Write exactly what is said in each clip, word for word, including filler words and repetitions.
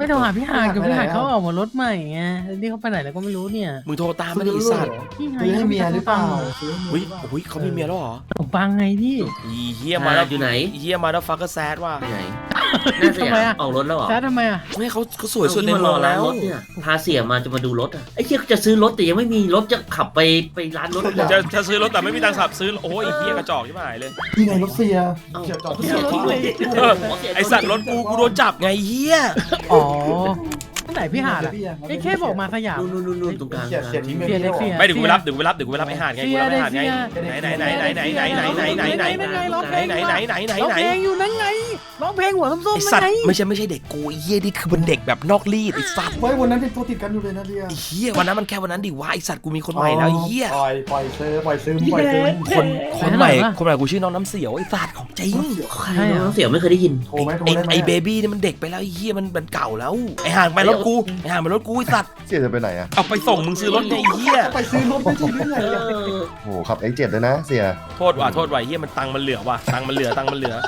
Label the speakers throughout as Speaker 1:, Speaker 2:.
Speaker 1: ไม่โทรหาพี่หาดกับพี่หาดเขาออกมารถใหม่ไงนี่เขาไปไหนแล้วก็ไม่รู้เนี่ย
Speaker 2: มึงโทรตามมาดิสัตว์
Speaker 3: ซื้อให้เมียหรือเปล่า
Speaker 2: อุ้ยอุ้ยเขามีเมียแล้วเหรอ
Speaker 1: ผมปังไงพี่
Speaker 2: อีเฮียมาแล้ว
Speaker 4: อยู่ไหน
Speaker 2: เฮียมาแล้วฟักก็แซดว่ะ
Speaker 4: ไปไหนน่าจะอยากออกรถแล้วเหรอ
Speaker 1: แซดทำไมอ่ะ
Speaker 2: ไม่เขาเขาสวยสุดใน
Speaker 4: มาร
Speaker 2: เมื
Speaker 4: อ
Speaker 2: อง
Speaker 4: ร้า
Speaker 2: แล้
Speaker 4: น
Speaker 2: ว
Speaker 4: รถเนี่ยพาเสียมาจะมาดูรถอ่ะไอ้เชี่ยจะซื้อรถแต่ยังไม่มีรถจะขับไปไปร้านรถ
Speaker 2: จะจะซื้อรถแต่ไม่มีตังค์ขับซื้อโอ้ยเฮียกระจอกที่หายเลย
Speaker 3: นี่ไงรถเสีย
Speaker 4: เสียจอด
Speaker 1: เสียรถเลย
Speaker 2: ไอสัตว์รถกูกูโดนจับไงเฮีย
Speaker 1: อ๋อที่ไหนพี่หาดอ่ะไอ้แค่บอกมาสยาม
Speaker 4: นู่นนู่นนู่นตรงกลาง
Speaker 3: เสียเสียทิ้ง
Speaker 1: เสียเลยเสีย
Speaker 2: ไม่เดี๋ยวกูไปรับเดี๋ยวกูไปรับเดี๋ยวกูไปรับไอหาดไงกูรับไอหาดไงไหนไหนไหนไหนไหนไหนไหนไหนไหนไหนไหนไหนไหนไหนไหนไหน
Speaker 1: ร้อง
Speaker 2: ไหน
Speaker 1: เพลงอยู่นั่นไงร้องเพลงหัวส้ม
Speaker 2: ไอ
Speaker 1: ๆ
Speaker 2: สั
Speaker 1: นั่
Speaker 2: ต
Speaker 1: น
Speaker 2: ว์
Speaker 1: ไง
Speaker 2: ไม่ใช่ไม่ใช่เด็กกูเฮียนี่คือเป็นเด็กแบบนอกรีดไอสัตว์
Speaker 3: ไว้วันนั้นเป็นตัวติดกันอยู่เลยนะเดีย
Speaker 2: เฮียวันนั้นมันแค่วันนั้นดิวะไอสัตว์กูมีคนใหม่แล้วเฮีย
Speaker 3: ปล่อยปล่อยซื้อปล่อยซื้อปล่อยซื้อ
Speaker 2: คนคนใหม่คนใหม่กูชื่อน้องน้ำเสียวไอสัตว์ของจริง
Speaker 4: ใช่น้องเสียไม่เคยได้ยิน
Speaker 3: โทรไหมโทร
Speaker 2: ไอ
Speaker 3: ได้ไหม
Speaker 2: ไอเบบี้นี่มันเด็กไปแล้วไอเฮียมันมันเก่าแล้วไอห่างไปรถกูไอห่างไปรถกูไอสัตว์
Speaker 5: เสียจะไปไหนอ่ะ
Speaker 2: เอาไปส่งมึงซื้อรถไอเฮีย
Speaker 3: ไปซื้อรถไม่ใช่เรื่องไง
Speaker 4: เออ
Speaker 5: โอ้โหขับ เอ็กซ์ เจ็ด เลยนะเสีย
Speaker 2: โทษว่ะโทษว่ะเฮียมันตังค์มันเหลือว่ะตังค์มันเหลือตังค์มันเหลือ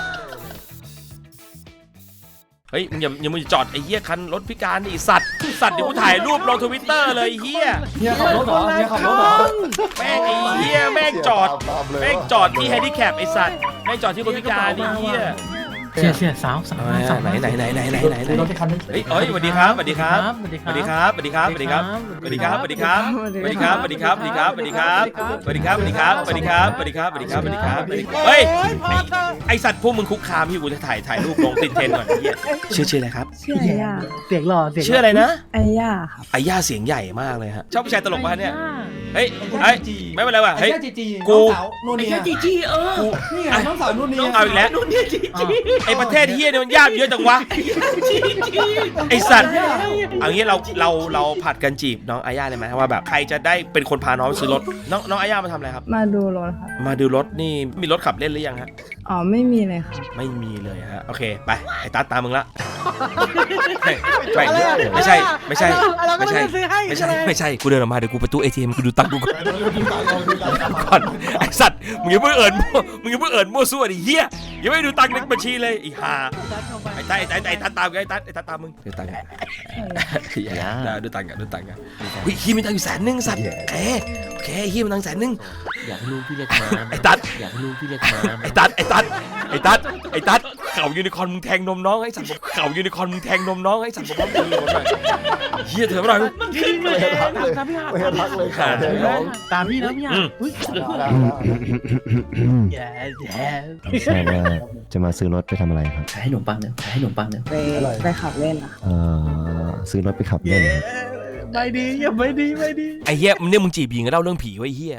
Speaker 2: เฮ้ยมึงอย่าอย่ามึงจอดไอ้เหี้ยคันรถพิการนี่สัตว์สัตว์เดี๋ยวกูถ่ายรูปลงทวิตเตอร์เลยเหี้ย
Speaker 3: เนี่ยขับรถเหรอเนี่ยขับรถเหรอ
Speaker 2: แม่งไอ้เหี้ยแม่งจอดแม่งจอดที่แฮนดิแคปไอ้สัตว์แม่งจอดที่คนพิการไอ้เหี้ย
Speaker 1: เสียเสียสาวสาวสาว
Speaker 2: ไหนไหนไหนไหนไหนไหนไหน
Speaker 3: รถที่คันนึง
Speaker 2: เฮ้ยเอ้ยสวัสดีครับสวัสดีครับ
Speaker 1: สวัสดี
Speaker 2: สวัสดีครับสวัสดีครับสวัสดีครับสวัสดีครับสวัสดีครับสวัสดีครับสวัสดีครับสวัสดีครับสวัสดีครับสวัสดีครับสวัสดีครับสวัสดีครับสวัสดีครับสวัสดีครับสวัสดีครับสวัสดีครับเฮ้ยไอสัตว์พวกมึงคุกคามพี่กูจะถ่ายถ่ายรูปลงติดเทรนด์ก่อนไอ้เหี้ยชื่อชื่ออะไรครับ
Speaker 6: ชื่อไอย่า
Speaker 1: เสียงหล่อเสียง
Speaker 2: ชื่ออะไรนะ
Speaker 6: ไอย่าครับ
Speaker 2: ไอ้ย่าเสียงใหญ่มากเลยฮะชอบผู้ชายตลกป่ะเนี่ยเฮ้ยเฮ้ยไม่เป็นไรว่ะเฮ้ย
Speaker 3: จีจี
Speaker 2: กู
Speaker 3: นู่น
Speaker 4: ไอ้
Speaker 3: นี่
Speaker 4: แค่จีจีเออ
Speaker 3: นี่ไงน้องสาวนู่นนี่
Speaker 2: เอาอีกแล้ว
Speaker 4: นู่นนี่จีจี
Speaker 2: ไอ้ประเทศเฮียเนี่ยมันยากเยอะจังวะไอ้สัตว์เอางี้เราเราเราผัดกันจีบน้องอาย่าเลยไหมว่าแบบใครจะได้เป็นคนพาน้องไปซื้อรถน้องน้องอาย่ามาทำอะไรครับ
Speaker 6: มาดูรถครับ
Speaker 2: มาดูรถนี่มีรถขับเล่นหรือยังฮะ
Speaker 6: อ๋อไม่มีเลยครับ
Speaker 2: ไม่มีเลยฮะโอเคไปไอ้ตัดตามมึงละไม่ไม่ไม่ใช่ไม่ใช่ไม่ใช่ไม่ใช่ไม่ใช่กูเดินออกมาเดี๋ยวกูไปตู้เอทีเอ็มกูดูตังค์กูก่อนก่อนไอ้สัตว์มึงอย่าเพิ่งเอิญมึงอย่าเพิ่งเอิญมั่วซั่วดิเฮียอย่าไม่ดูตังค์ในบัญชีเลยไอ้ห่าไอ้ตัดไอ้ตัดไอ้ตัดตามไอ้ตัดไอ้ตัดตามมึงดูตังค์อย่าดูตังค์ดูตังค์เฮ้ยฮีมีตังค์อยู่แสนนึงสัตว์แค่โอเคฮีมีตังค์แสนนึง
Speaker 4: อยากให้ลูกพี่เรียกมา
Speaker 2: ไอ้ตัด
Speaker 4: อยากให้ลูกพี่เรียกมา
Speaker 2: ไอ้ตัดไอ้ตัดไอ้ตัดไอ้ตัดเข่ายูนิคอร์นมึงแทงนมน้องไอ้สัตว์เข่ายูนิคอร์นมึงแทงนมน้องไอ้สัตว์บอกว่ามึงหน่อยเฮียเถอะมาหน่อย
Speaker 5: ไม่ให้พักเลยไม่ให้พักเลยขาดเลยน้อง
Speaker 1: ตามพี่นะพี่หาอุ้ยแย่แย่
Speaker 5: ไม่ทราบว่าจะมาซื้อรถไปทำอะไรครับ
Speaker 4: ขายให้ขนมปังเนี่ยขายให้ขนมปังเนี่ย
Speaker 6: ไปไปขับเล่นอะ
Speaker 5: เอ่อซื้อรถไปขับเล่นครับ
Speaker 1: ไม่ดีอย่าไม่ดีไม่ดี
Speaker 2: ไอ้เฮียมึงเนี่ยมึงจีบหญิงก็เล่าเรื่องผีไว้เฮีย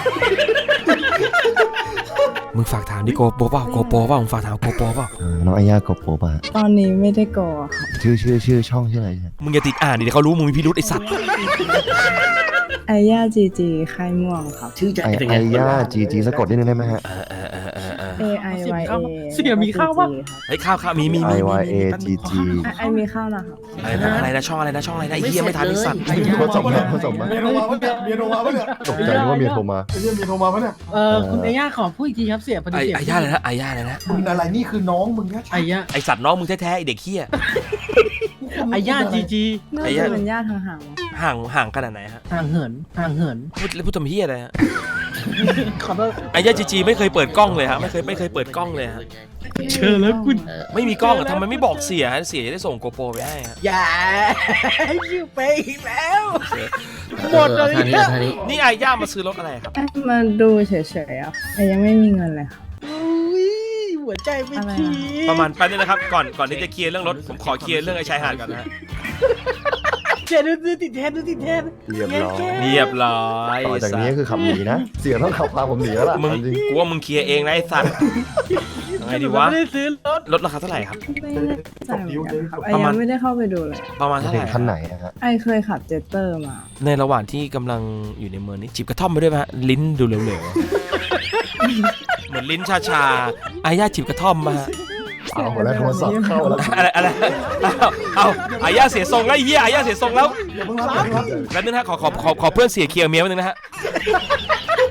Speaker 2: มึงฝากถามดิโกโปเปล่าโกโปเปล่ามึงฝากถามโกโปเปล่า
Speaker 5: เอ่อน้องอาย่าโกโปป่ะ
Speaker 6: ตอนนี้ไม่ได้กอครับ
Speaker 5: ชื่อชื่อชื่อช่องชื่ออะไรเนี่ย
Speaker 2: มึงอย่าติดอ่านดิเดี๋ยวเขารู้มึงมีพิรุธไอ้สัตว์
Speaker 6: ไอย่าจีจีค่ายม่วงครับ
Speaker 4: ชื่อใจ
Speaker 5: ไอ
Speaker 4: เป็น
Speaker 5: ไอ
Speaker 4: ไง
Speaker 5: ย่าจีจีสะกดนิดนึงได้ไหมฮะ
Speaker 2: เออเออเออเออเออ
Speaker 6: A I Y A
Speaker 1: เสียมีข้าวปะ
Speaker 2: เฮ้ยข้าวข้าวมีมี
Speaker 5: I
Speaker 2: มี
Speaker 5: Y A G G
Speaker 6: ไอมีข้าวนะครับ
Speaker 2: อะไรนะอะไรนะช่องอะไรนะช่องอะไรนะไอ้เฮียไม่ทันไอ้สัตว์
Speaker 5: ผสมมาผสมมา
Speaker 3: เมียโทรมาปะเนี่ยเมียโทรมาปะเนี่ย
Speaker 5: ตกใจนึกว่าเมียโทรมา
Speaker 3: ไอ้เมียเมียโทรมาปะเนี่ย
Speaker 1: เออคุณไอ้ย่าขอพูดอีกทีครับเสียพอดี
Speaker 2: ไอ้
Speaker 1: เสีย
Speaker 2: ไอ้ย่าเลยนะไอ้ย่าเลยนะ
Speaker 3: มึงอะไรนี่คือน้องมึงนะ
Speaker 1: ไอ้ย่า
Speaker 2: ไอ้สัตว์น้องมึงแท้ๆไอ้เด็กเฮีย
Speaker 1: ไอ้ย่าจีจี
Speaker 6: น่า
Speaker 2: ไอ้ย่า
Speaker 6: จะเป็นญาติห่าง
Speaker 2: ห่างห่างขนาดไหนฮะ
Speaker 1: ห่างเหินห่างเหิน
Speaker 2: พูดแล้วพูดทำเฮียอะไรฮะ
Speaker 1: ขอโทษ
Speaker 2: ไอ้ย่าจีจีไม่เคยเปิดกล้องเลยฮะไม่เคยไม่เคยเปิดกล้องเลยฮะ
Speaker 1: เชิญแล้วคุณ
Speaker 2: ไม่มีกล้องอะทำไมไม่บอกเสียฮะเสียจะได้ส่งโกโปรไปให้ฮะ
Speaker 1: อย่าชื่อไปอีกแล้ว หมดเลย
Speaker 4: ท่านี้ท่านี้
Speaker 2: นี่ไอ้ย่ามาซื้อรถอะไรครับ
Speaker 6: ๆเอ๊ะมาดูเฉยๆอ่ะแต่ยังไม่มีเงินเลยครับ
Speaker 1: อุ้ยหัวใจไม่ที
Speaker 2: ประมาณแป๊บนึงนะครับก่อนก่อนที่จะเคลียร์เรื่องรถผมขอเคลียร์เรื่องไอ้ชายหาดก่อนนะฮะ
Speaker 1: เจ๊ดูดูติดแทนดูติดแทน
Speaker 5: เรียบร้อย
Speaker 2: เรียบร้อย
Speaker 5: ต่อจากนี้คือขับหนีนะ เสียต้องขับพาผมหนีแล้วล่ะ
Speaker 2: มึง
Speaker 5: จริง
Speaker 2: กูว่ามึงเคลียร์เองนะไอ้สัตว์ยังไงดีวะ
Speaker 1: ไม่ได้ซื้อรถ
Speaker 2: รถราคาเท่าไหร่ครับ
Speaker 6: ไม่แน่ใจเหมือนกันครับไอ
Speaker 2: ประมา
Speaker 6: ยั
Speaker 2: ณ
Speaker 6: งไม่ได้เข้าไปดูเลย
Speaker 2: ประมาณ
Speaker 5: จะ
Speaker 2: เท่าไห
Speaker 5: ถึ
Speaker 2: ร่
Speaker 5: งขั้นไหนอะฮะ
Speaker 6: ไอเคยขับเจตเตอร์มา
Speaker 2: ในระหว่างที่กำลังอยู่ในเมืองนี้จิบกระท่อมไปด้วยไหมฮะลิ้นดูเหลวๆเหมือนลิ้นชาๆไอ้ย่าจิบกระท่อมมาฮะ
Speaker 5: เอาหัวแล้วโทรศัพท์เข้าแล้ว
Speaker 2: อะไรอะไรเอาเอาไอ้ย่าเสียทรงแล้วไอ้เหี้ยไอ้ย่าเสียทรงแล้ว
Speaker 3: เดี๋ยวเพิ่งรับเดี๋ยวเพิ่งรับ
Speaker 2: แล้วนึงนะฮะขอขอขอขอเพื่อนเสียเคลียร์เมียนิดนึงนะฮะ
Speaker 3: ไม่ใช่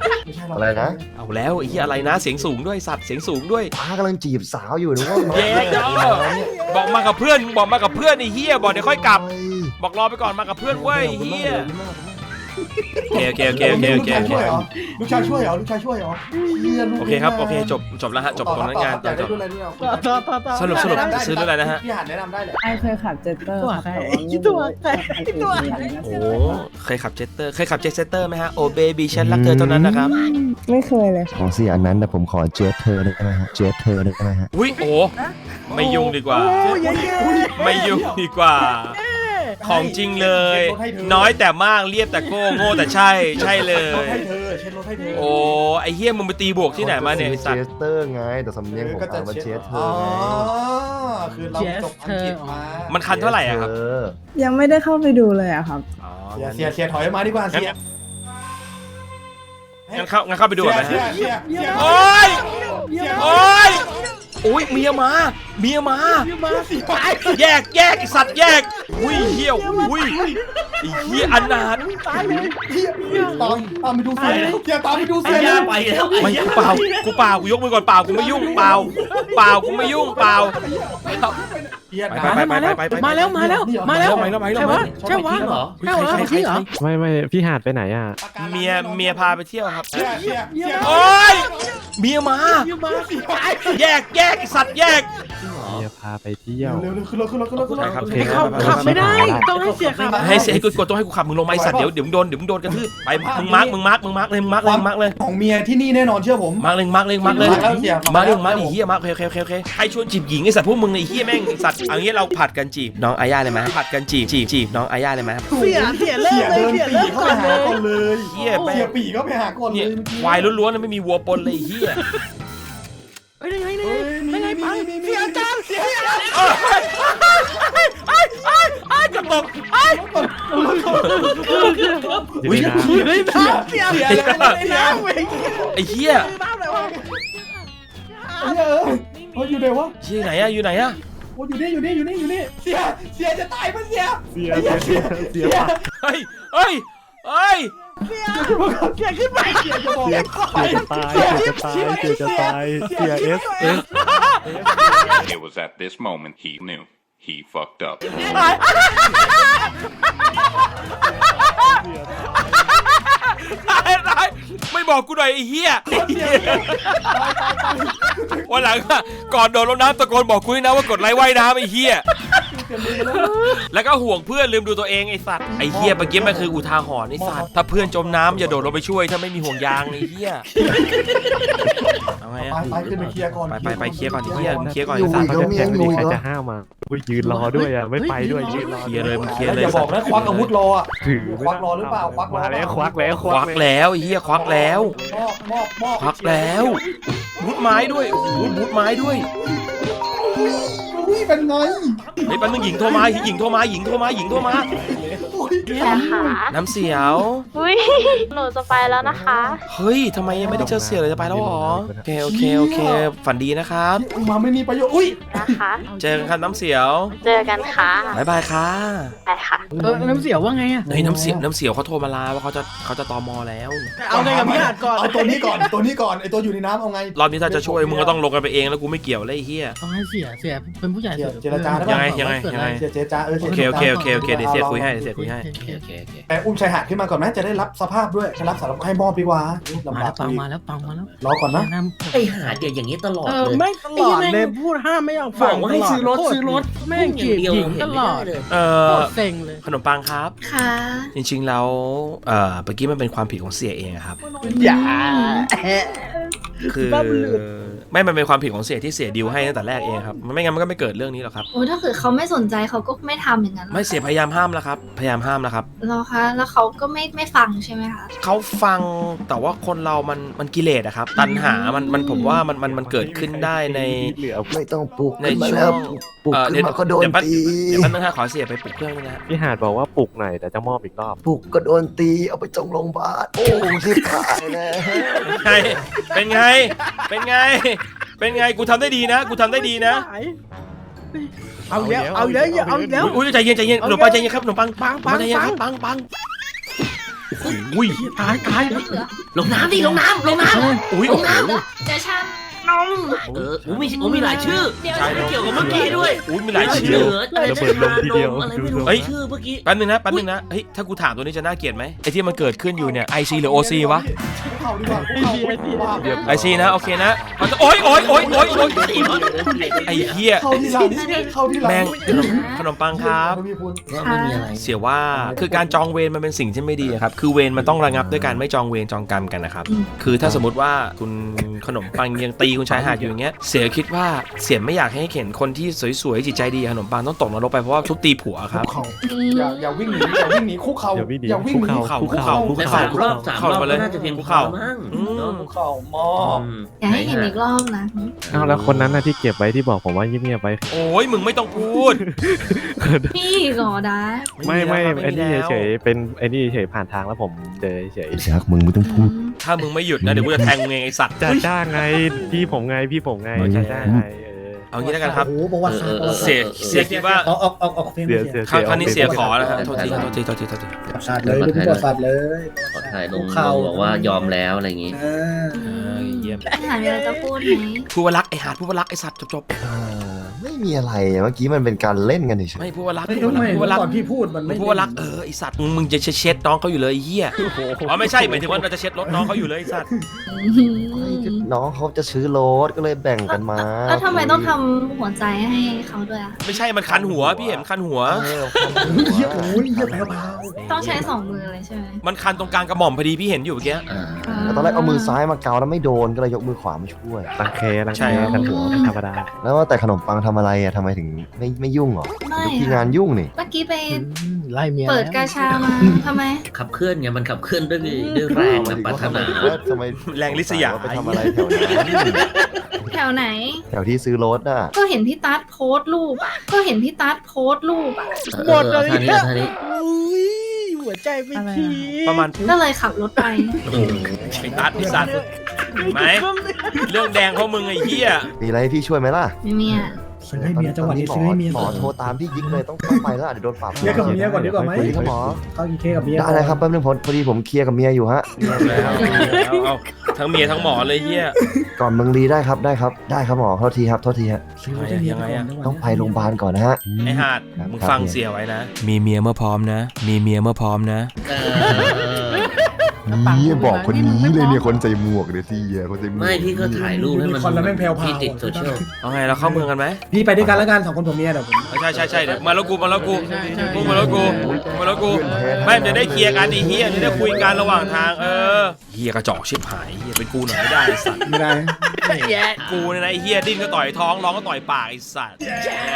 Speaker 3: หรอก
Speaker 5: อะไรนะ
Speaker 2: เอาแล้วไอ้เหี้ยอะไรนะเสียงสูงด้วยสัตว์เสียงสูงด้วย
Speaker 5: ป้ากำลังจีบสาวอยู่นึกว่า
Speaker 2: เย้เจ้าบอกมากับเพื่อนบอกมากับเพื่อนไอ้เหี้ยบอกเดี๋ยวค่อยกลับ บอกรอไปก่อนมากับเพื่อนเว้ยไอ้เหี้ยโอเคโอเคโอเคโอเคโอเค
Speaker 3: ลูกชายช่วยเหรอลูกชายช่วยเหรอลูกชายช่วยเหรอเหี้ยลูก
Speaker 2: โอเคครับโอเคจบจบแล้วฮะจบตรงนั้นงาน
Speaker 3: อยาก
Speaker 2: จ
Speaker 3: ได้
Speaker 2: บ
Speaker 3: รุ่นอะไรรุ่นอะไร
Speaker 1: ต่อต่อต่อ
Speaker 2: สรุปสรุปซื้อรุ่นอะไรนะฮะ
Speaker 3: พี่หานแนะนำได้เลย
Speaker 6: ไอเคยขับเจ็ตเตอร์
Speaker 1: ตัว
Speaker 6: ครับ
Speaker 1: ใคร
Speaker 6: แต่ว่า
Speaker 1: ตัวใครตัว
Speaker 2: โอ้เคยขับเจตเตอร์เคยขับเจตเตอร์ไหมฮะโอเบบี้ฉันรักเธอเท่านั้นนะครับ
Speaker 6: ไม่เคยเลย
Speaker 5: ของเสียอันนั้นแต่ผมขอเจสเธอได้ไหมฮะเจสเธอได้ไหมฮะ
Speaker 2: อุ้ยโอ้ไม่ยุ่งดีกว่า
Speaker 1: โอ้ยเย้
Speaker 2: ไม่ยุ่งดีกว่า ของจริงเลย น้อยแต่มากเรียบแต่โก้โง่แต่ใช่ใช่เล
Speaker 3: รถ
Speaker 2: ย
Speaker 3: ให้เธอเช็ดรถให้เธอ
Speaker 2: โอ้ไอเฮียมึงไปตีบวกที่ไหนมาเนี่ยไอสัต
Speaker 5: เจ
Speaker 2: ว์
Speaker 5: สเตอร์ไงแต่สำเนียงผมอ่านว่าเจสเธ
Speaker 3: อ๋
Speaker 5: อ
Speaker 3: อ
Speaker 5: ไง
Speaker 3: คือเราจบอังกฤษมา
Speaker 2: มันคันเท่าไหร่อะครับ
Speaker 5: เออ
Speaker 6: ยังไม่ได้เข้าไปดูเลยอะครับ
Speaker 2: อ๋อ
Speaker 3: เสียเสียเสียถอยมาดีกว่าเสีย
Speaker 2: งั้นเข้างั้นเข้าไปดูก่อนนะ
Speaker 3: เสีย
Speaker 2: ฮะ
Speaker 3: เสียเสีย
Speaker 2: โอ้ย
Speaker 3: เสีย
Speaker 2: โอ้ยโอ้ยเมียมาเมียมา
Speaker 1: มาสิ
Speaker 2: แยกแยกไอสัตว์แยกอุ้ยเฮี้ยวอุ้ยไอเฮี้ยอนาถ
Speaker 1: ตายเลย
Speaker 3: เสียตามตามไปดูเสียเสียตามไปดู
Speaker 4: ไอ้
Speaker 3: เสีย
Speaker 4: ยาไปแล้ว
Speaker 2: ไม่กูเปล่ากูเปล่ากูยกมือก่อนเปล่ากูไม่ยุ่งเปล่าเปล่ากูไม่ยุ่งเปล่า
Speaker 3: เสีย
Speaker 2: ไปไปไปไปไป
Speaker 1: มาแล้วมาแล้วมาแล้ว
Speaker 2: ไปแล้วไปแล้ว
Speaker 1: ใช่วะใช่วะ
Speaker 4: เหรอ
Speaker 1: ใช่วะ
Speaker 2: ใครใคร
Speaker 1: จริงเหรอ
Speaker 2: ใคร
Speaker 7: ไม่ไม่พี่หาดไปไหนอ่ะ
Speaker 2: เมียเมียพาไปเที่ยวครับ
Speaker 3: เสียเสียเสีย
Speaker 2: โอ้ยเมียมา
Speaker 1: มาสิ
Speaker 2: แยกแยกไอ้สัตว์แยก
Speaker 7: เมียพาไปเที่ยว
Speaker 3: เร็วเร็วขึ้นรถขึ้นรถขึ้นรถขึ้นรถ
Speaker 2: ครับ
Speaker 1: ไอ้ขับขับไม่ได้ต้องให้เสียขับ
Speaker 2: ให้เสียให้กูกดตัวให้กูขับมึงลงมาไอ้สัตว์เดี๋ยวเดี๋ยวมึงโดนเดี๋ยวมึงโดนกระทืบไปมึงมาร์กมึงมาร์กมึงมาร์กเลยมึงมาร์กเลยมึงมาร์กเลย
Speaker 3: ของเมียที่นี่แน่นอนเชื่อผม
Speaker 2: มาร์กเลยมาร์กเลยมาร์กเลย
Speaker 3: มาแล้วเสีย
Speaker 2: มาร์กเลยมาร์กไอ้เหี้ยมาร์กโอเคโอเคโอเคใครชวนจีบหญิงไอ้สัตว์พวกมึงไอ้เหี้ยแม่งไอ้สัตว์เอางี้เราผัดกันจีบน้องอาญาเลยไหมผัดกันจีบจีบจีบน้องอาญาเลยไหม
Speaker 1: เสียเสียเลิ
Speaker 3: เสี
Speaker 1: ก
Speaker 3: ย
Speaker 1: เลย
Speaker 3: เดิน
Speaker 1: เสีย
Speaker 3: ปี
Speaker 1: เลิก
Speaker 3: เข้า
Speaker 1: ก่
Speaker 3: ไป
Speaker 1: อนเล
Speaker 3: หาย ก่อนเลย
Speaker 2: เหี้ยแม่
Speaker 3: เสีย
Speaker 2: ง
Speaker 3: ปีเข้าไปหาก่อนเล
Speaker 2: เนี่ย
Speaker 3: ย
Speaker 2: ควายล้วนๆนะไม่มีวัวปนเลยไอ้เหี้ย
Speaker 1: เฮ้ยยังไงยังไงยังไงปังเสียจังเสีย
Speaker 2: ไอ้ไอ้ไอ้ไอ้กระตกไอ้
Speaker 7: จริงนะ
Speaker 1: เฮ้ยน้ำเสียเสียน้ำเว้ย
Speaker 2: ไอ้เหี้ย
Speaker 1: น้ำเลยวะ
Speaker 3: เสียเออเฮ้ยอยู่ไหนวะ
Speaker 2: ที่ไหนอะอยู่ไหนอะ
Speaker 3: โอ้อยู่นี่อยู่นี่อยู่นี่อยู่นี่เสียเสียจะตายปะเสีย
Speaker 7: เสียเสียเสียเสีย
Speaker 2: เฮ้ยเฮ้ยเฮ้ย
Speaker 1: เสียเสียขึ้นไป
Speaker 3: เสียจะบอก
Speaker 7: เสียจะตายเสียจะตายเสียจะตายเสียเอสเอส
Speaker 8: It was at this moment he knew. He fucked up.
Speaker 2: ตายตายไม่บอกกูหน่อยไอ้เหี้ยวันหลังอะก่อนโดดลงน้ำตะโกนบอกกูด้วยนะว่ากดไลค์ว่ายน้ำไอ้เหี้ยแล้วก็ห่วงเพื่อนลืมดูตัวเองไอ้สัตว์ไอ้เหี้ยเมื่อกี้มันคืออุทาหรณ์ไอ้สัตว์ถ้าเพื่อนจมน้ำอย่าโดดลงไปช่วยถ้าไม่มีห่วงยางไอ้เหี้ยเอาไง
Speaker 3: ไป
Speaker 2: อะ
Speaker 3: ไปขึ้นไปเคลียร์ก่อน
Speaker 2: ไปไปไปเคลียร์ก่อนไอ้เหี้ยมึงเคลียร์ก่อน
Speaker 5: อยู่
Speaker 2: ไอ้สัตว์
Speaker 5: อีกแล้วเมียอยู่อี
Speaker 7: ใคร
Speaker 5: ก
Speaker 7: จะ
Speaker 5: แล้ว
Speaker 7: ห้ามมาอุ้ยยืนรอด้วยอ่ะไม่ไปด้วยยืนรอ
Speaker 2: เคลียร์เลยมึงเคลียร์เล
Speaker 3: อย ย่าบอกนะควักอาวุธรออ่ะ
Speaker 7: ถือ
Speaker 3: ควักรอหรือเปล่าควักรอ
Speaker 7: มาแล้วควักแล้ว
Speaker 2: ควักแล้วไอ้เหี้ยควักแล้ว
Speaker 3: มอบมอบมอบ
Speaker 2: ควักแล้วบูทไม้ด้วยโอ้โหบูทไม้ด้วย
Speaker 3: นี่เป็นไง
Speaker 2: ไอ้ปันมึงหญิงโทรมาหญิงโทรมาหญิงโทรมาหญิงโทรมา
Speaker 9: ค่ะ
Speaker 2: น้ำเสียว
Speaker 9: อุ้ย หนูจะไปแล้วนะคะ
Speaker 2: เฮ้ยทำไมยังไม่ได้เจอเสียเลยจะไปแล้วหรอโอเคโอเคโอเคฝันดีนะครับ
Speaker 3: มาไม่มีประโยชน์อุ้ย
Speaker 9: นะคะ
Speaker 2: เจอกันครับน้ำเสียว
Speaker 9: เจอกันค่ะ
Speaker 2: บายบายค่ะ
Speaker 9: ไปค่ะ
Speaker 1: เออน้ำเสียวว่าไงอะ
Speaker 2: เฮ้ยน้ำเสียวน้ำเสียวเขาโทรมาลาว่าเขาจะเขาจะตอมอแล้ว
Speaker 1: เอาไงกับพี่อาจก่อน
Speaker 3: เอาตัวนี้ก่อนตัวนี้ก่อนไอตัวอยู่ในน้ำเอาไง
Speaker 2: รอบนี้ถ้าจะช่วยมึงก็ต้องลงกันไปเองแล้วกูไม่เกี่ยวเลยไอ้เหี้ย
Speaker 1: ต้องให้เสียเสียเป็นผู้ใหญ่
Speaker 3: เจรจาได้
Speaker 2: ยัง
Speaker 3: ป่ะ
Speaker 2: ไงยังไงยังไง
Speaker 3: เจเจจ้าเออ
Speaker 2: โอเคโอเคโอเคโอเคเดี๋ยวเสียคุยให้เดี๋ยวเสียคุยให้โอเคโอเคโอเค
Speaker 3: แต่อุ้มชายหาดขึ้นมาก่อนไหมจะได้รับสภาพด้วยจะรับสารภาพให้มอบดีกว่า
Speaker 1: มา
Speaker 3: ลำบา
Speaker 1: แล้
Speaker 3: ก
Speaker 1: วปังมาแล้วปังมาแล้ว
Speaker 3: รอก่อนนะ
Speaker 1: น้
Speaker 4: ไอ้หาเดี๋ยวอย่างนี้ตลอ
Speaker 1: ำ
Speaker 4: ด
Speaker 1: เออ
Speaker 4: เลย
Speaker 1: ไม่ตลอดเลยพูดห้ามไม่เอา
Speaker 4: บ
Speaker 1: ฟั
Speaker 4: อง กว่าให้ซื้อรถซื้อรถ
Speaker 1: แม่งจีบหญิงตลอด
Speaker 4: เลย
Speaker 2: เอ
Speaker 1: โค
Speaker 2: อ
Speaker 1: ตรเซ็งเลย
Speaker 2: ขนมปังครับ
Speaker 9: ค่ะ
Speaker 2: จริงๆแล้วเอ่อเมื่อกี้มันเป็นความผิดของเสียเองอะครับ
Speaker 1: อย่า
Speaker 2: คือไม่มันเป็นความผิดของเสียที่เสียดิวให้ตั้งแต่แรกเองครับมันไม่งั้นมันก็ไม่เกิดเรื่องนี้หรอกครับ
Speaker 9: โอ้ถ้าเกิดเขาไม่สนใจเขาก็ไม่ทำอย่างนั้นหรอก
Speaker 2: ไม่เสียพยายามห้ามแล้วครับพยายามห้ามแล้วครับ
Speaker 9: เหรอคะ แล้วเขาก็ไม่ไม่ฟังใช่ไหมคะ
Speaker 2: เขาฟังแต่ว่าคนเรามันมันกิเลสอะครับตัณหามันมันผมว่ามันมันมันเกิดขึ้นได้ใน
Speaker 7: เหลือ
Speaker 5: ไม่ต้องปลุก
Speaker 2: ใน
Speaker 5: ขึ้นมา
Speaker 2: ช่
Speaker 5: แล้ว ว
Speaker 2: ง
Speaker 5: ปลุก
Speaker 2: เอ่อ
Speaker 5: ขึ้นมาก็โดน
Speaker 2: เดี๋ยวแป๊บ
Speaker 5: ตี
Speaker 2: เดี๋ยวแป๊บนึงฮะขอเสียไปปลุกเครื่องนึงนะฮะ
Speaker 7: พี่หาดบอกว่าปลุกหน่อยแต่จะมอบอีกรอบ
Speaker 5: ปลุกก็โดนตีเอาไปจงโรงพยาบาลโอ้ชิบหายแล้ว
Speaker 2: ไงเป็นไงเป็นไงเป็นไงกูทำได้ดีนะกูทำได้ดีนะ
Speaker 1: เอาแล้วเอาแล้วเอาแล้ว
Speaker 2: อุ้ยใจเย็นใจเย็นขนมปังใจเย็นครับขนมปัง
Speaker 1: ปังปัง
Speaker 2: ใจเย็น
Speaker 1: ปั
Speaker 2: ค
Speaker 1: ง
Speaker 2: รับปังปังโอ้โหอุ้ย
Speaker 1: ตายตาย
Speaker 4: ลงน้ำดิลงน้ำลงน้ำ
Speaker 2: อุ้ย
Speaker 4: ลงน้ำ
Speaker 9: เดี๋ยวฉันนม
Speaker 4: เออโอ้มีโอ้มีหลายชื่อ
Speaker 9: เดี๋ยว
Speaker 2: ใช่
Speaker 4: ไม่เกี่ยวกับเมื่อกี้ด้วย
Speaker 2: อุ้ยมีหลายชื่อ
Speaker 4: เหลืออะไร
Speaker 7: ระเบิดลมทีเดียว
Speaker 4: อะไรไม่รู้
Speaker 2: เฮ้ย
Speaker 4: ชื่อเมื่อกี้
Speaker 2: แป๊บนึงนะแป๊บนึงนะเฮ้ยถ้ากูถามตัวนี้จะน่าเกลียดไหมไอ้ที่มันเกิดขึ้นอยู่เนี่ยไอซีหรือโอซีวะ
Speaker 3: คุกเข่าดีกว่าคุกเข่าคุกเข่า
Speaker 2: ไอซีนะโอเคนะมันจะโอ๊ยโอ๊ยโอ๊ยโอ๊ยโอ๊ยไอ้เหี้ย
Speaker 3: เข้าที่หลังเข้าที่หลัง
Speaker 2: แม่งขนมขนมปังครับ
Speaker 3: มีคุณ
Speaker 4: ว่าไม่มีอะไร
Speaker 2: เสียว่าคือการจองเวรมันเป็นสิ่งที่ไม่ดีอะครับคือเวรมันต้องระงับด้วยการไม่จองเวรจองกรรมกันนะครับคือถ้าสมมติว่าคุณขนมปังยังตีคุณชายหาดอยู่อย่างเงี้ยเสียคิดว่าเสียไม่อยากให้เห็นคนที่สวยๆจิตใจดีขนมปังต้องตกนรกไปเพราะว่าทุบตีผัวครับ
Speaker 3: คุกเข่าอย่าอย่าวิ่งหนีอย่าวิ่งหนีคุกเข่า
Speaker 7: อย่าวิ่งหนี
Speaker 3: อย่าวิ่งหนี
Speaker 7: คุกเข่าคุกเข่าคุก
Speaker 4: แต่
Speaker 7: เข่า
Speaker 4: สามรอบสามรอบก็น่าจะเพียงพอมั้ง
Speaker 2: อืม
Speaker 4: เนาะ
Speaker 3: คุกเข่ามอ
Speaker 4: อืม
Speaker 9: อย่าให้เห็นอีกรอบนะ
Speaker 7: อ้าวแล้วคนนั้นน่ะที่เก็บไว้ที่บอกผมว่าเงียบๆไว้
Speaker 2: โอ้ยมึงไม่ต้องพูด
Speaker 9: พี่ก่อดา
Speaker 7: ไม่ไม่
Speaker 2: แล้ว
Speaker 7: ไอ้นี่
Speaker 2: แล้ว
Speaker 7: เฉยๆเป็นไอ้นี่เฉยๆผ่านทางแล้วผมเจอเฉย
Speaker 5: ไอ้ชักมึงไม่ต้องพูด
Speaker 2: ถ้ามึงไม่หยุดนะเดี๋ยวกูจะแทงมึงเองไอสัตว์
Speaker 7: ๆจ้าจ้างไงพี่ผมไงพี่ผมไง
Speaker 2: โอเค
Speaker 7: จ้าจ้างไงเออ
Speaker 2: เอางี้แล้วกันครับ
Speaker 3: โอ้โหประวัติศาสตร์ประวัติศาสตร์
Speaker 2: เสียเสียคิดว่า
Speaker 3: ออกออกออกออกเพลง
Speaker 7: เสียเสีย
Speaker 2: ครั้งครั้งนี้เสียขอ
Speaker 7: แล้
Speaker 2: แล้วครับโทษทีโทษทีโทษทีโทษที
Speaker 3: ประวัติศาสตร์เลยเป็นประวัติศาสตร์เลย
Speaker 4: ขอถ่ายลง
Speaker 3: คุกเข่า
Speaker 4: บอกว่ายอมแล้วอะไรอย่างงี้
Speaker 3: เออ
Speaker 2: เอ้ยเยี่ยม
Speaker 9: อาหารอะไรจะพูดไหม
Speaker 2: พูดว่ารักไอหาดพูดว่ารักไอสัตว์จบ
Speaker 5: เออไม่มีอะไรอะเมื่อกี้มันเป็นการเล่นกันเฉ
Speaker 2: ๆ
Speaker 5: ย
Speaker 2: ไม่พูดว่ารัก
Speaker 3: ไม่
Speaker 2: พูดว่า
Speaker 3: ไม่
Speaker 2: รักพูดว่ารัก
Speaker 3: ก่อนพี่พูดมัน
Speaker 2: มึ
Speaker 3: ไม่
Speaker 2: งพูดว่ารักเออไอสัตว์มึงจะเช็ดน้องเขาอยู่เลยไอ้เหี้ยอ๋อไม่ใช่หมายถึงว่าเราจะเช็ดรถน้องเขาอยู่เลยไอสัตว์
Speaker 5: ๆน้องเขาจะซื้อรถก็เลยแบ่งกันมา
Speaker 9: แล้วทำไมต้องทำหัวใจให้เขาด้วยอ่ะ
Speaker 2: ไม่ใช่มันคันหัวพี่เห็นมันคันหัว
Speaker 5: เออ
Speaker 3: เหี้ยโอ้ยเหี้ยแผ่ว
Speaker 9: ต้องใช้สองมือเลยใช่ไหม
Speaker 2: มันคันตรงกลางกระหม่อมพอดีพี่เห็นอยู่เมื่อกี้
Speaker 4: อ่า
Speaker 5: แล้วตอนแรกเอามือซ้ายมาเกาแล้วไม่โดนก็เลยยกมือขวามาช่วย
Speaker 7: รังเครัง
Speaker 2: ใช่
Speaker 7: เค
Speaker 2: ครับ
Speaker 7: กันหัวธรรมดา
Speaker 5: แล้วว่าแต่ขนมปังทำอะไรอะทำไมถึงไม่ไม่ยุ่งหรอ
Speaker 9: ไม่
Speaker 5: ทุกที่
Speaker 9: ค่ะ
Speaker 5: งานยุ่งนี่
Speaker 9: เมื่อกี้ไป
Speaker 1: ไล่เมีย
Speaker 9: เปิดกาชามาทำไม
Speaker 4: ขับเคลื่อนไงมันขับเคลื่อนด้วยด้วยแรงกับปรารถนา
Speaker 5: ทำไม
Speaker 2: แรงลิษยา
Speaker 5: ไปทำอะไรแถวนั้น
Speaker 9: แถวไหน
Speaker 5: แถวที่ซื้อรถอ่ะ
Speaker 9: ก็เห็นพี่ตั๊ดโพสต์รูปอ่ะ ก็เห็นพี่ตั๊ดโพสต์รูปอ่ะ
Speaker 1: หมดเลย
Speaker 4: ออท่านี้เอาท่านี้
Speaker 1: อุ้ยหัวใจไม่ที
Speaker 2: ประมาณ
Speaker 9: ก็เลยขับรถไป
Speaker 2: ไอ้ตัดไอ้สัตว์ไหมเรื่องแดงเพราะมึงไอ้เหี้ย
Speaker 5: มีอะไรให้พี่ช่วยไหมล่ะ
Speaker 9: ไม่มีอ่ะ
Speaker 3: ๆซื้อให้เมียจังหวะนี้ซื้อให้เมีย
Speaker 5: หมอโทรตามพี่ยิกเลยต้องต้องไปแล้วอ่ะเดี๋ยวโดนปรับ
Speaker 3: เคลียร์กับเมียก่อนดีกว่าไหม
Speaker 5: สวัสดีครับหมอ
Speaker 3: เข้ากินเค้กกับเมีย
Speaker 5: ได้เลยครับแป๊บนึงผมพอดีผมเคลียร์กับเมียอยู่ฮะ
Speaker 2: แล้วเอาทั้งเมียทั้งหมอเลยเหี้ย
Speaker 5: ก่อนเมืองลีได้ครับได้ครับได้ครับหมอโทษทีครับโทษทีฮะ
Speaker 3: ซื้อให้เมียก่อนดีกว่า
Speaker 5: ต้องไปโรงพยาบาลก่อนนะฮะ
Speaker 2: ไอ้หาดมึงฟังเสียไว้นะ มีเมียเมื่อพร้อมนะ มีเมียเมื่อพร้อมนะ
Speaker 4: เออ
Speaker 5: นี่บอกคนนี้เลยเนี่ยคนใส่หมวกเดี๋ยวสิคนใส่หมวก
Speaker 4: ไม่พี่ก็ถ่ายรูปให้มัน
Speaker 3: มีคนแล้วแม่งแผ่วๆ
Speaker 4: พี่ติดโซเชียล
Speaker 2: เอาไงเราเข้าเมืองกันไหม
Speaker 3: พี่ไปด้วยกันแล้วกันสองคนผมเมียเดี๋ยวผม
Speaker 2: ใช่ใช่ใช่เดี๋ยวมาแล้วกูมาแล้วกูกูมาแล้วกูมาแล้วกูไม่จะได้เคลียร์กันไอ้เหี้ยจะได้คุยกันระหว่างทางเออเหี้ยกระจอกชิบหายเหี้ยเป็นกูหน่อยไม่ได้ไอ้สัตว์
Speaker 3: ไม่ได้
Speaker 2: แย่กูเนี่ยนะไอ้เหี้ยดิ้นก็ต่อยท้องร้องก็ต่อยปากไอ้สัตว์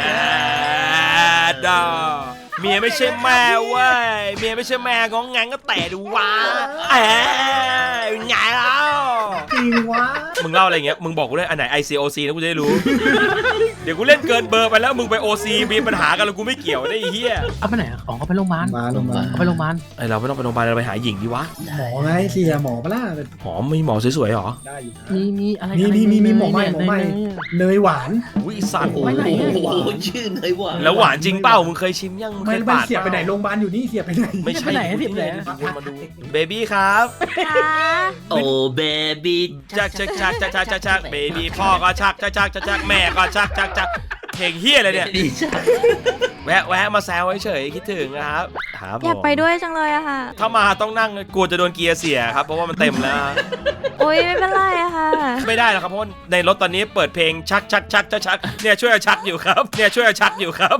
Speaker 2: ดาเมียไม่ใช่แม่เว้ยเมียไม่ใช่แม่งองแงงก็แต่ดูวะเอ้ยไงแล้ว
Speaker 3: จริงวะ
Speaker 2: มึงเล่าอะไรอย่างเงี้ยมึงบอกกูด้วยอันไหน ไอ ซี โอ ซี นะกูจะได้รู้ เดี๋ยวกูเล่นเกินเบอร์ไปแล้วมึงไป โอ ซี มีปัญหากันแล้วกูไม่เกี่ยวได้ไอ้เหี้ย
Speaker 1: เอาไปไหนอะของเขาไปโรงพยาบาล
Speaker 3: มาลงมา
Speaker 1: เขาไปโรงพยาบาล
Speaker 2: ไอเราไม่ต้องไปโรงพยาบาลเราไปหาหญิงดีวะ
Speaker 3: หมอไงเสียหมอปะล่ะ
Speaker 2: หอมมีหมอสวยๆหรอ
Speaker 3: ได้อยู่นะ
Speaker 1: มีมีอะไร
Speaker 3: มีมีมีมีหมอใหม่หมอใหม่ เนยหวาน
Speaker 2: อุ้ยไอ้สัตว์
Speaker 4: โอ้โหชื่อเลยว่ะ
Speaker 2: แล้วหวานจริงเปล่ามึงเคยชิมยังมึง
Speaker 3: ไม่
Speaker 2: เคย
Speaker 3: ไม่
Speaker 2: ปาด
Speaker 3: เสียไปไหนโรงพยาบาลอยู่นี่เสียไปไหน
Speaker 2: ไม่ใช่
Speaker 1: ไปไหนสิบเลย
Speaker 2: มาดูเบบี้ครับ
Speaker 4: โอ้เบบี้
Speaker 2: ชักชักชักชักชักชักชักเบบี้พ่อก็ชักชักชักชักชักแม่ก็ชักชักชักเพลงเฮียอะไรเนี่ย
Speaker 4: ดีจัง
Speaker 2: แวะแวะมาแซวเฉยๆคิดถึงนะครับครับผม
Speaker 10: อยากไปด้วยจังเลยอะค่ะ
Speaker 2: ถ้ามาต้องนั่งกลัวจะโดนเกียร์เสียครับเพราะว่ามันเต็มแล้ว
Speaker 10: โอ๊ยไม่เป็นไรอะค่ะ
Speaker 2: ไม่ได้หรอกครับเพราะว่าในรถตอนนี้เปิดเพลงชักชักชักชักชักเนี่ยช่วยเอาชักอยู่ครับเนี่ยช่วยเอาชักอยู่ครับ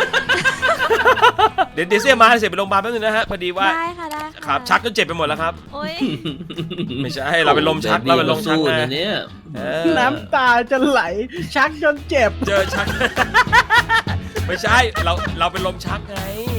Speaker 2: เดี๋ยวเดี๋ยวเสียมาเสียไปโรงพยาบาลแป๊บนึงนะฮะพอดีว่า
Speaker 10: ได้ค่ะได้ค่ะ
Speaker 2: ครับชักจนเจ็บไปหมดแล้วครับ
Speaker 10: โอ๊ย
Speaker 2: ไม่ใช่เราเป็นลมชักเราเป็นลมชัก
Speaker 4: สู้
Speaker 2: นะ
Speaker 4: นะเนี่ย
Speaker 2: เออ
Speaker 1: น้ำตาจะไหล ชักจนเจ็บ
Speaker 2: เจอชัก ไม่ใช่เราเราเป็นลมชักไง